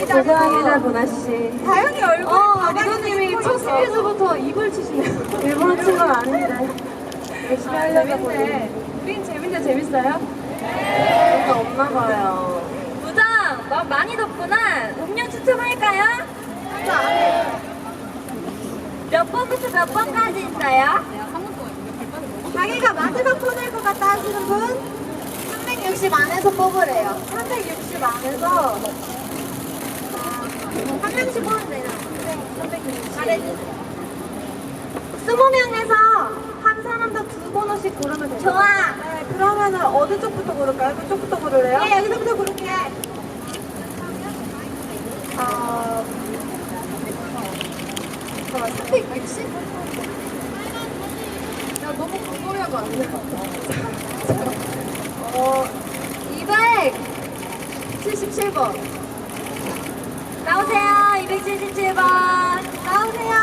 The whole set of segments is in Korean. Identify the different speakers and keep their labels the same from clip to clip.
Speaker 1: 죄송합니다, 보나씨.
Speaker 2: 다영이 얼굴
Speaker 1: 리더님이 첫 스피드부터 입을 치시네요. 일부러 친 건 아닌데. 열심히 하려다 보니.
Speaker 2: 우린 재밌네, 재밌어요?
Speaker 1: 네. 없나 봐요.
Speaker 2: 부장, 많이 덥구나. 음료 추첨할까요? 몇 번부터 몇 번까지 있어요? 자기가 마지막 뽑을 것 같다 하시는 분? 360 안에서 뽑으래요. 360 안에서 한 명씩 뽑으면 되나? 네, 360. 잘해주세요. 20명에서 한 사람당 2번씩 고르면 돼요. 좋아. 네, 그러면은 어느 쪽부터 고를까요? 그쪽부터 고를래요? 네, 여기서부터 고를게. 360? 야, 너무 궁금해하고 안 돼. 277번. 나오세요, 277번. 나오세요.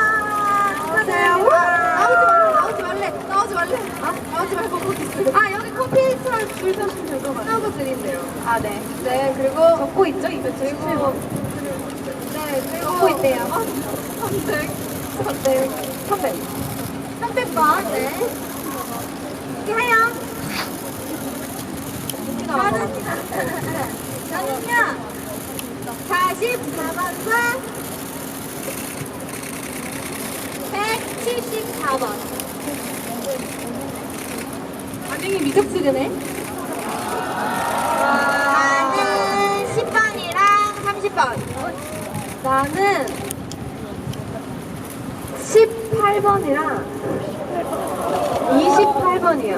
Speaker 2: 나오지 말래. 나오지 말고 거기 있어. 여기 커피처럼 줄 서시면 될 것 같아요. 하고 드린대요. 네. 네, 그리고. 적고 있죠? 277번. 네, 그리고. 적고 있대요. 300번. 네. 이렇게 해요. 저는요, 44번과 174번. 반응이 미적지근해. 나는 10번이랑 30번. 나는 18번이랑 28번이요.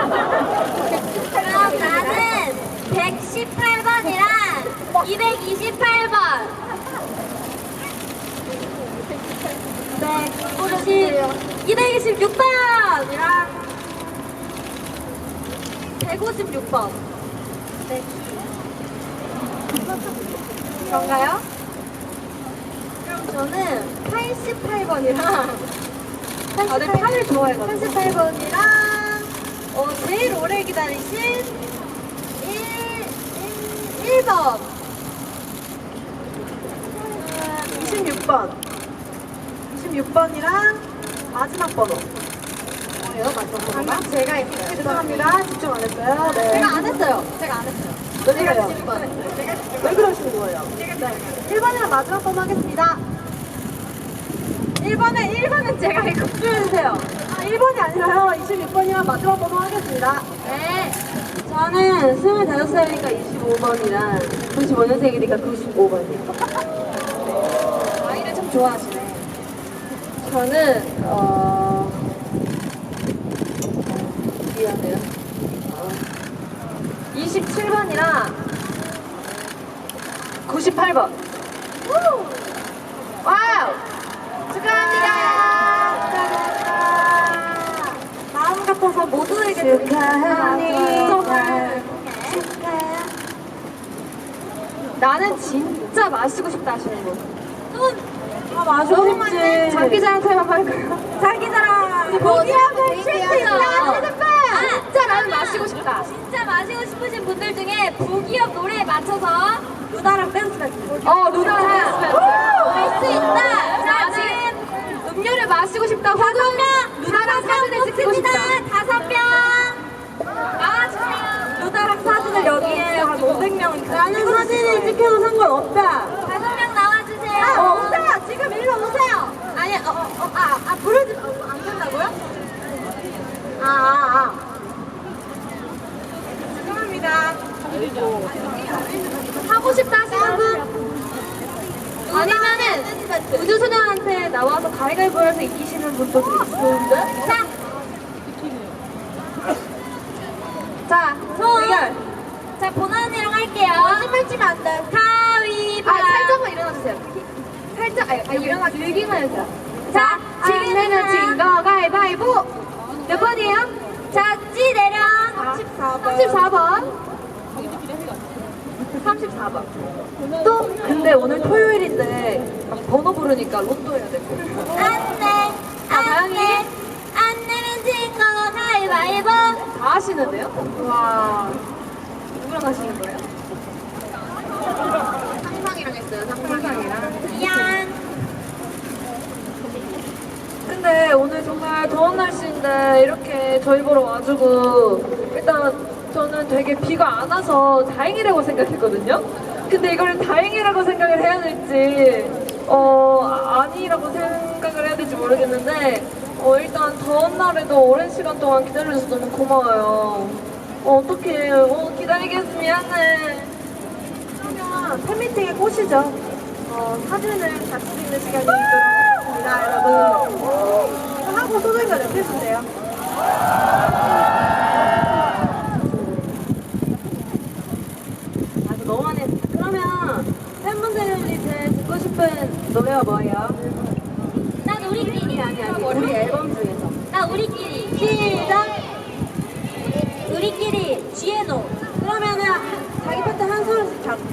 Speaker 2: 그럼 나는 118번이랑 228번. 226번이랑 156번. 네. 그런가요? 그럼 저는 88번이랑 다들 8을 좋아해가지고 88번이랑 제일 오래 기다리신 1번 26번이랑 마지막 번호 뭐예요? 마지막 번호가? 방금 제가 했어요. 죄송합니다. 집중 안 했어요. 네. 제가 안 했어요. 왜 그래요? 왜 그러시는 거예요? 네. 1번이랑 마지막 번호 하겠습니다. 1번은 제가 이거 줄여주세요. 1번이 아니라요. 26번이랑 마지막 번호 하겠습니다. 네.
Speaker 1: 저는 25살이니까 25번이랑 95년생이니까 95번이요.
Speaker 2: 아이를 참 좋아하시네.
Speaker 1: 저는 미안해요. 27번이랑 98번. 와우!
Speaker 2: 축하합니다. 마음 같아서 모두에게
Speaker 1: 축하합니다. 나는 진짜 마시고 싶다 하시는 분.
Speaker 2: 너무 많네.
Speaker 1: 자기 자랑타임 할까요?
Speaker 2: 자기 자랑.
Speaker 1: 고기하고 쉴수 있다 하시는 분.
Speaker 2: 진짜 나는 마시고 싶다. 진짜 마시고 싶으신 분들 중에 부기업 노래에 맞춰서 루다랑 댄스 배틀.
Speaker 1: 루다랑 댄스 배틀.
Speaker 2: 할 수 있다. 자, 지금 음료를 마시고 싶다. 5명. 루다랑 사진을 찍고 싶다. 5명. 나와주세요. 루다랑 사진을 여기에 한 500명.
Speaker 1: 나는 사진을 찍혀도 상관없다.
Speaker 2: 5명 나와주세요. 오세요. 지금 일로 오세요. 아니, 부르지 안 된다고요? 죄송합니다. 하고 싶다 하시는 분? 아니면은 우주소녀한테 나와서 가위바위보 해서 이기시는 분도 있는데? 자, 대결. 자, 보나 언니랑 할게요. 거짓말 치면 안 돼. 가위바위보. 살짝만 일어나주세요. 살짝, 일어나기 얘기만 해주세요. 자, 지금 내면 진거 가위바위보. 몇 번이에요? 자, 찌 내려. 34번. 34번.
Speaker 1: 또 근데 오늘 토요일인데 번호 부르니까 로또 해야 될 거예요.
Speaker 2: 안내. 안 내면 진거 가위바위보.
Speaker 1: 다 하시는데요? 와 누구랑 하시는 거예요?
Speaker 2: 상상이랑 했어요.
Speaker 1: 있어요, 상상이랑.
Speaker 2: 미안.
Speaker 1: 근데 오늘 정말 더운 날씨인데 이렇게 저희 보러 와주고 일단 저는 되게 비가 안 와서 다행이라고 생각했거든요. 근데 이걸 다행이라고 생각을 해야 될지 아니라고 생각을 해야 될지 모르겠는데 일단 더운 날에도 오랜 시간 동안 기다려줘서 너무 고마워요. 어떡해. 기다리게 해서 미안해. 그러면 팬미팅에 꼬시죠. 사진을 같이 찍는 시간이 있도록 하겠습니다, 여러분. 하고 소중히 랩해주세요. 너무 많이 했어. 그러면 팬분들이 제일 듣고 싶은 노래가 뭐예요?
Speaker 2: 난 우리끼리.
Speaker 1: 아니, 우리 앨범 중에서.
Speaker 2: 나 우리끼리.
Speaker 1: 시작!
Speaker 2: 우리끼리. 지혜노.
Speaker 1: 그러면은